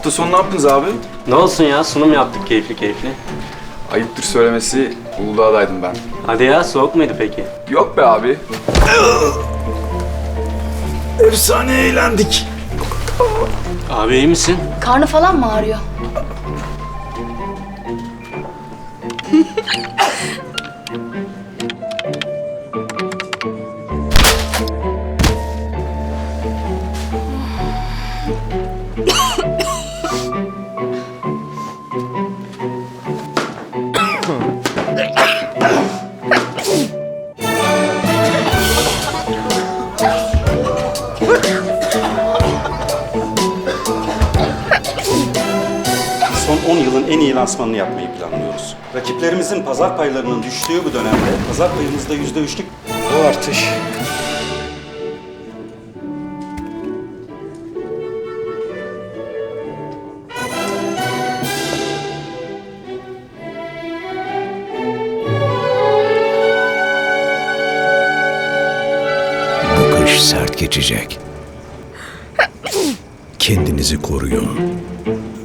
Hafta sonu ne yaptınız abi? Ne olsun ya, sunum yaptık keyifli keyifli. Ayıptır söylemesi, Uludağ'daydım ben. Hadi ya, soğuk muydu peki? Yok be abi. Efsane eğlendik. Abi iyi misin? Karnı falan mı ağrıyor? Son 10 yılın en iyi lansmanını yapmayı planlıyoruz. Rakiplerimizin pazar paylarının düştüğü bu dönemde pazar payımızda %3'lük o artış. Bu kış sert geçecek. Kendinizi koruyun.